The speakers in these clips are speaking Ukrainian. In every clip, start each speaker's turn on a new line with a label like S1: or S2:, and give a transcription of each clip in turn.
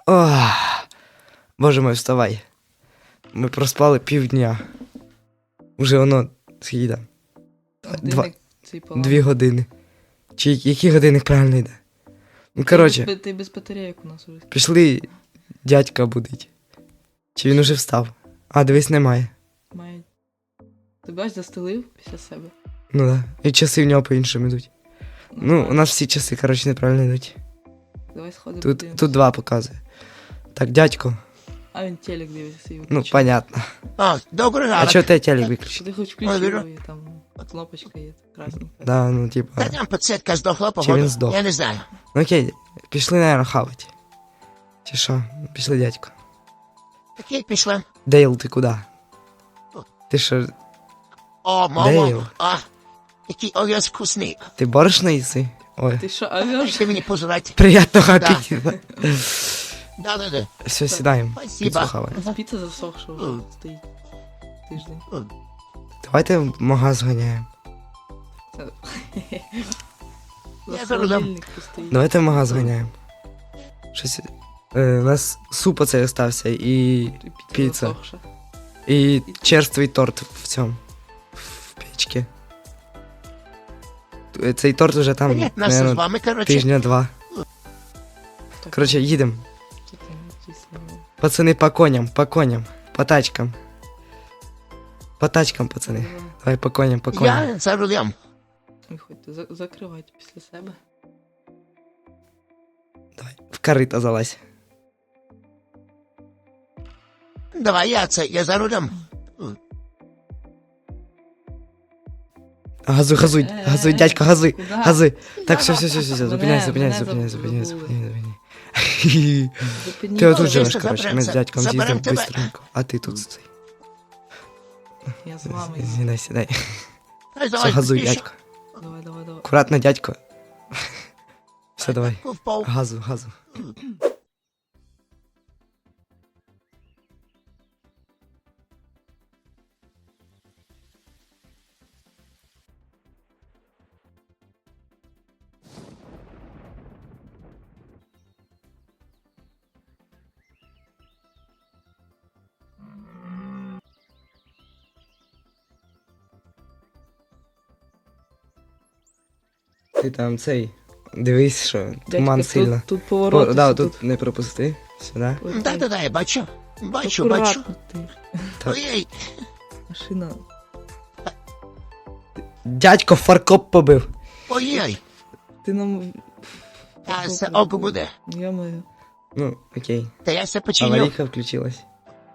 S1: Ох, боже мой, вставай. Ми проспали півдня. Уже воно скільки там?
S2: Годинник цей поламаний.
S1: 2 години. Чи який годинник правильно йде? Ну, коротше,
S2: Ти без батарейок у нас уже.
S1: пішли дядька будить. Чи він уже встав? А, дивись, немає.
S2: Має. Ти бач, застелив після себе.
S1: Ну да. І часи в нього по-іншому йдуть. Ну, у нас всі часи, коротше, неправильно йдуть.
S2: Давай сходимо.
S1: Тут 2 показує. Так, дядько.
S2: А він телек дивиться свій
S1: Ну,
S2: виключив.
S1: понятно.
S3: А, добрий
S1: А
S3: ранок.
S1: чого ти телек виключив?
S2: Що ти хоч
S3: Ой,
S2: включив,
S3: Віра.
S2: і там кнопочка є красненька.
S1: Да, ну, типа.
S3: Та там підсвітка здохла,
S1: Чи він
S3: походу.
S1: здох?
S3: Я не знаю.
S1: Ну окей, пішли, наверное, хавать. Чи що? Пішли, дядько.
S3: Окей, пішли.
S1: Дейл, ти куди? Ти що,
S3: О,
S1: Дейл.
S3: мамо. А, який овес вкусний.
S1: ти борошно їси? Ой,
S2: Ти що, авіаш?
S3: Ти мені пожрати.
S1: приятного
S3: Да.
S1: аппетита.
S3: Да.
S1: Все, сідаємо.
S3: Спасибо.
S1: Піцу хаваємо.
S2: Піца засохша вже стоїть. Тиждень.
S1: Давайте в магаз ганяємо.
S2: Це...
S3: Я
S2: За
S3: зараз дам.
S2: холодильник стоїть.
S1: Давайте в магаз ганяємо. Щось. У нас суп оцей остався і піца.
S2: засохша.
S1: І черствий торт в цьому. В печці. Цей торт уже там,
S3: Понятно, нас з
S1: наверное,
S3: вами, коротше.
S1: тижня 2.
S2: Так,
S1: Коротше, їдемо.
S2: що там дійсно?
S1: Пацани, по коням, по тачкам. По тачкам, пацани. Давай по коням, по коням.
S3: Я за рулем.
S2: Виходьте, закривайте після себе.
S1: Давай, в корито залазь.
S3: Давай, я за рулем.
S1: Газуй, газуй, дядько, газуй,
S2: Куда?
S1: газуй. Так, все,
S2: Мене-
S1: зупиняйся,
S2: мене
S1: зупиняйся.
S2: забули.
S1: Зупиняйся.
S2: Зупиніть.
S1: Ти отут
S3: Ну,
S1: живеш,
S3: дійсно,
S1: коротше, ми з
S3: заберем
S1: дядьком
S3: це.
S1: з'їздимо
S3: Заберем тебе.
S1: быстренько. А ти тут цей.
S2: Я з вами.
S1: Сідай.
S3: Ай,
S1: Все,
S3: давай,
S1: газуй,
S3: більше.
S1: дядько.
S2: Давай.
S1: Аккуратно, дядько. Все, давай.
S3: Впав.
S1: Газу. Ти там цей. Дивись, що туман
S2: Дядько,
S1: сильно.
S2: Тут поворот.
S1: Да, тут не пропусти. Сюди.
S3: Да, я бачу. Бачу.
S2: Аккуратно ти.
S1: Так.
S3: Ой,
S2: Машина.
S1: Дядько фаркоп побив.
S3: ой.
S2: Ти нам...
S3: А це око буде.
S2: Йо-моє.
S1: Ну, окей.
S3: Та я все починю.
S1: Аварійка включилась.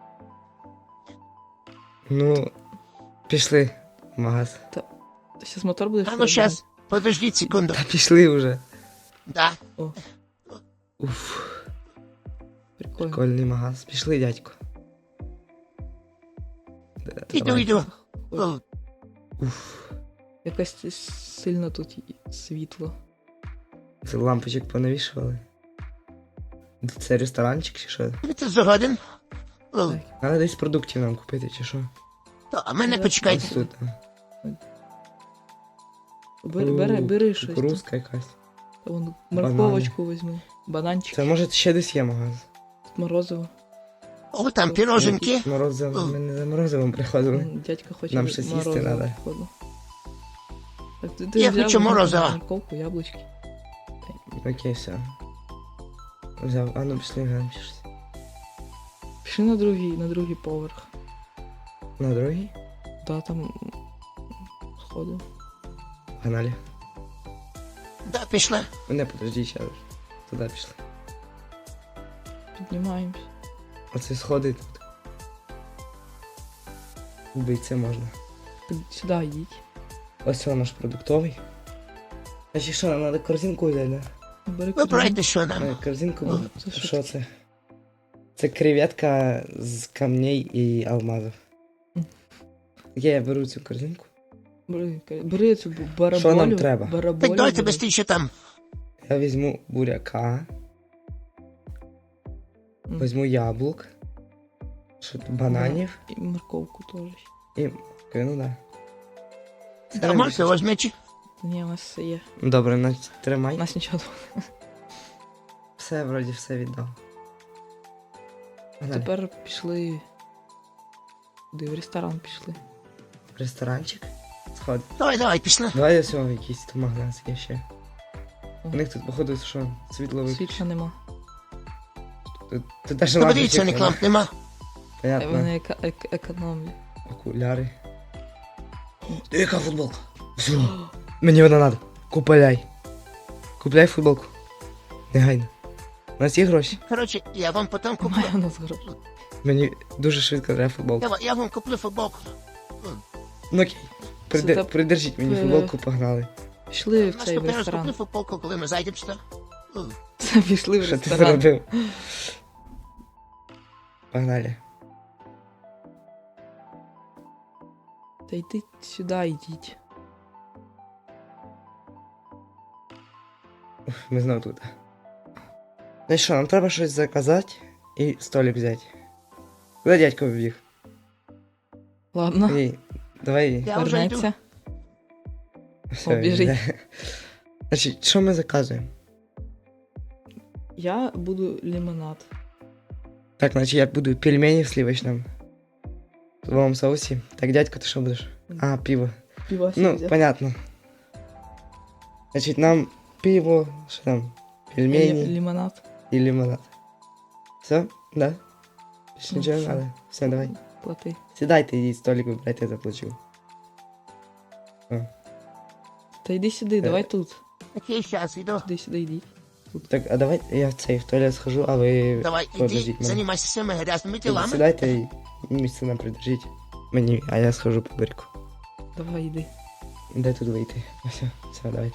S1: Ну, пішли в магаз.
S2: Ти зараз мотор будеш?
S3: А ну щас, подождіть секунду.
S1: Та пішли вже.
S3: Да.
S1: Уф,
S2: Прикольно.
S1: прикольний магаз. Пішли, дядько.
S3: Іду. О,
S1: Уф.
S2: Якось сильно тут світло.
S1: Це лампочок понавішували. Це ресторанчик чи що?
S3: Ти згоден? О,
S2: Так.
S1: Треба десь продуктів нам купити, чи що?
S3: то, а мене
S2: Да.
S3: почекайте.
S1: Ось тут.
S2: Бери щось.
S1: Кукурузка якась.
S2: Та вон морковочку візьми. Бананчик.
S1: Це може ще десь є магаз.
S2: Морозиво.
S3: О, там піроженки.
S1: Морозиво, ми не за морозивом приходили.
S2: Дядька хоче
S1: Нам щось їсти
S2: морозиво,
S1: надо.
S2: походу. Так, ти
S3: Я
S2: взяв
S3: хочу морозива.
S2: Морковку, яблучки.
S1: Окей, все. Взяв, а ну пішли глянемо чи щось.
S2: Пішли на другий поверх.
S1: На другий?
S2: Да, там сходи.
S1: Погнали.
S3: Да, пішли.
S1: Не, подожди, ще раз. Туди пішли.
S2: Піднімаємось.
S1: Оце сходи тут. Вбити можна.
S2: Сюди йдіть.
S1: Ось це наш продуктовий. А ще що, нам треба корзинку взяти, да?
S2: Бери
S3: Вибирайте, що нам.
S1: Корзинку,
S2: О,
S1: бо
S2: це що
S1: що це? Це креветка з камней і алмазів. Я беру цю корзинку.
S2: Бери цю бараболю.
S1: Що нам треба?
S2: Бараболю
S3: Так давайте
S2: бери.
S3: быстріше там.
S1: Я візьму буряка,
S2: М.
S1: візьму яблук, що тут, бананів
S2: І морковку теж.
S1: і... Ну да.
S3: Да, можете возьміть.
S2: Ні, у нас все є.
S1: Добре,
S2: У
S1: тримай.
S2: нас нічого.
S1: Все, вроді, все віддав. Погнали.
S2: Тепер пішли. Куди? В ресторан пішли.
S1: Ресторанчик. Сходи.
S3: Давай, пішли.
S1: Давай ось якийсь тут магаз є ще.
S2: О.
S1: У них тут, походу, що, світло виключено.
S2: Світла нема.
S1: Тут даже
S3: Ну, подивіться,
S1: лампочек
S3: ні ламп нема.
S1: Понятно.
S2: Вони економлять.
S1: Окуляри. Яка футболка? Все. Мені вона надо. Купляй. Купляй футболку. Негайно. У нас є гроші.
S3: Коротше, я вам потім куплю.
S2: Немає у нас грошей.
S1: Мені дуже швидко треба футболку.
S3: Я вам куплю футболку.
S1: Ну окей.
S2: Це
S1: Придержіть мені футболку, погнали.
S2: Пішли в цей
S3: Наступний раз
S2: ресторан.
S3: куплю футболку, коли ми зайдемо сюди.
S2: Це пішли в
S1: Що ти
S2: ресторан.
S1: зробив? Погнали.
S2: Та йди сюди, йдіть.
S1: Ми знову тут. Ну і що, нам треба щось заказати і столик взяти. Куди дядько побіг?
S2: Ладно,
S1: Ей, давай.
S3: Я вже йду.
S2: вернеться.
S1: Все,
S2: біжить.
S1: йде. Значить, що ми заказуємо?
S2: Я буду лимонад.
S1: Так, значить я буду пельмені в сливочном. В лавовом соусі. Так, дядько, ти що будеш? А, пиво.
S2: Пиво
S1: Ну,
S2: взяв.
S1: понятно. Значить, нам пиво, що там? Пельмені
S2: Лимонад.
S1: і лимонад. Все? Да? Більше
S2: Ну,
S1: нічого не
S2: все.
S1: надо. Все, давай.
S2: Плати.
S1: Сідайте, йдіть, столик вибирайте, я заплачу.
S2: Та йди сюди, давай тут.
S3: Окей, зараз йду.
S2: Сюди, йди.
S1: Так, а давай я в цей в туалет схожу, а ви
S3: Давай,
S1: подождіть
S3: іди,
S1: мене.
S3: займайся своїми грязними
S1: Ідіть,
S3: тілами.
S1: Сідайте і місце нам придержіть. Мені, а я схожу по берегу.
S2: Давай, йди.
S1: Де тут вийти? Все, давайте.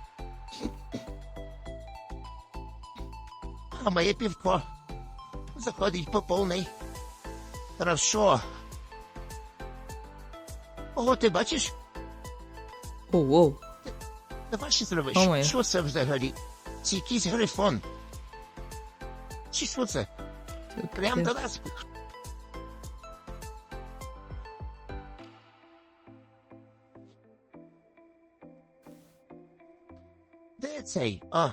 S3: А моє півко заходить по повній. Хорошо. Ого, ти бачиш?
S2: Оу.
S3: Давай ще зробиш.
S2: О, моє.
S3: Що це взагалі? Це якийсь грифон. Чи що це? Прям до нас. Де цей? А,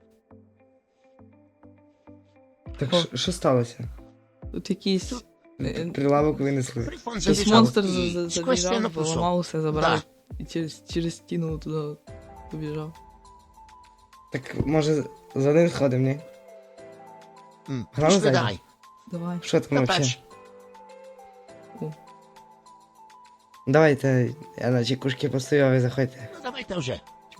S1: Так,
S2: О.
S1: що сталося?
S2: Тут якийсь
S1: Прилавок винесли.
S3: грифон
S2: якийсь
S3: забіжав
S2: монстр
S3: і сквозь стіну
S2: забіжав,
S3: пішов.
S2: поламав усе, забрав
S3: Да.
S2: і через стіну туди побіжав.
S1: Так, може, за ним сходимо, ні? Грали
S3: Пішли
S1: зайдемо?
S3: давай.
S2: Давай.
S1: Що там вообще?
S3: Капець.
S1: Давайте, я на чекушки постою, а ви заходьте.
S3: Ну давайте вже.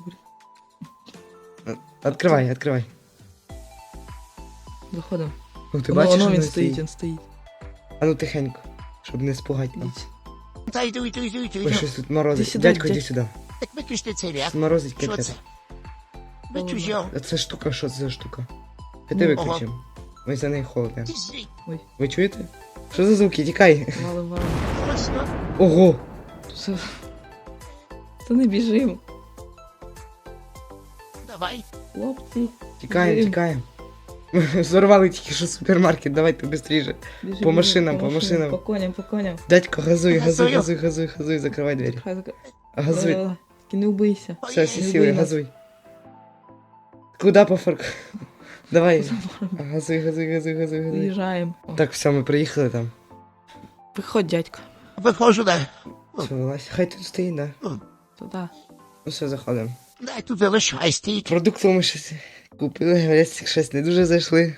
S1: Відкривай.
S2: Заходимо.
S1: Ну, ти
S2: Воно,
S1: бачиш,
S2: воно
S1: що
S2: він
S1: він
S2: стоїть, він стоїть.
S1: А ну тихенько, щоб не спугати нам.
S2: Ідіть.
S3: Та йду.
S1: Ой, щось тут морозить.
S2: Іди сюди,
S1: Дядько, іди
S2: дядь.
S1: сюди.
S3: Так виключте цей ряд.
S1: Морозить
S3: Що
S1: капець.
S3: це? Ви чужо.
S1: А це штука, що це за штука?
S2: Ну,
S1: Піди виключимо. Ось за неї холодно.
S3: Ти звідь.
S1: Ви чуєте? Що за звуки? Тікай.
S2: Валим.
S3: Точно.
S1: Ого!
S2: Це... Та не біжим.
S3: Давай.
S2: Хлопці.
S1: Тікаємо,
S2: Біжим.
S1: тікаємо. Зорвали тільки що супермаркет, давайте швидше.
S2: Біжим,
S1: По
S2: біжим,
S1: машинам, по машинам.
S2: По коням.
S1: Дядько, газуй,
S3: Газую.
S1: закривай двері.
S2: Хай
S1: Газуй.
S2: давай. Тільки не вбийся.
S1: Все, всі
S2: Не
S1: сіли,
S2: вбий нас.
S1: газуй. Куда по фарку? Давай. Газуй.
S2: Виїжджаємо. О,
S1: Так, все, ми приїхали там.
S2: Виходь, дядько.
S3: Виходжу, дай.
S1: Все, вилазь. Хай тут стоїть, да.
S2: Туди.
S1: Ну все, заходимо.
S3: Дай тут залишай, стоїть.
S1: Продуктів ми щось купили, говорять, щось не дуже зайшли.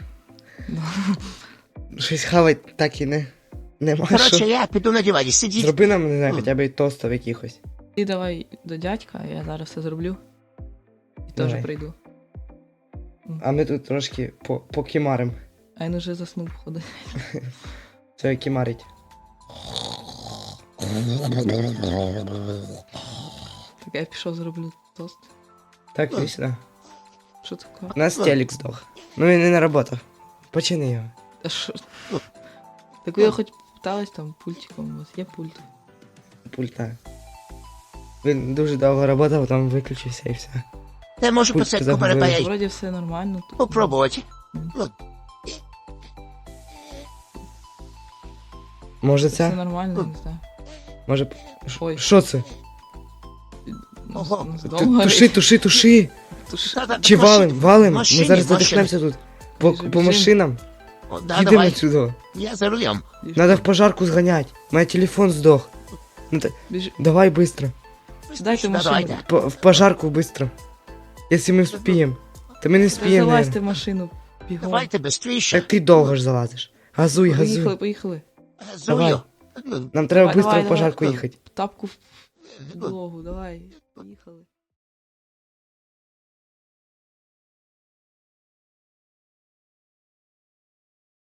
S1: Щось хавать так і нема
S3: Коротше,
S1: що.
S3: я піду на дивані, сидіть.
S1: Зроби нам, не знаю, хоча б і тостів якихось.
S2: Ти давай до дядька, я зараз все зроблю. І теж
S1: Давай.
S2: прийду.
S1: А ми тут трошки покімарим.
S2: А він уже заснув, ходи.
S1: Все, кімарить.
S2: Так я пішов зроблю тост.
S1: Так, іди сюди.
S2: Що таке?
S1: У нас телек здох. Ну він не наработав. Почини його.
S2: А що? Так я хоч питалась там пультиком, у вас є пульт.
S1: Пульта. Він дуже довго працював, там виключився і все.
S3: Я можу
S1: Пульт
S3: посадку
S1: забув.
S3: перепаяти.
S2: Вроді все нормально. Тут.
S3: Попробувати.
S1: Може
S2: Все
S1: це?
S2: нормально, не знаю.
S1: Може.
S2: Ой.
S1: Що це?
S3: Ого.
S2: Дом
S1: Туши!
S3: Та-та,
S1: Чи
S3: машин-
S1: валим? Ми
S3: машині,
S1: зараз
S3: машині.
S1: задихнемося тут.
S2: Біжим,
S1: По
S2: біжим.
S1: машинам.
S3: О, да,
S1: Їдемо
S3: давай.
S1: отсюда.
S3: Я за рулем.
S1: Надо в пожарку сгонять. У меня телефон сдох.
S2: Біжи.
S1: Давай быстро.
S2: Дайте
S3: Сюда,
S2: машину.
S3: давай,
S1: В пожарку быстро. Если мы успеем. Да мы не
S2: Та
S1: успеем,
S2: залазьте в
S1: наверное.
S2: машину. Бігом.
S3: Давайте быстрее.
S1: Так ты долго ж залазишь. Газуй,
S2: Поїхали,
S1: газуй.
S2: поїхали.
S3: Газую.
S1: Нам треба
S2: Давай,
S1: быстро в
S2: давай,
S1: пожарку
S3: давай.
S1: ехать.
S2: Тапку в підлогу, давай. Поїхали.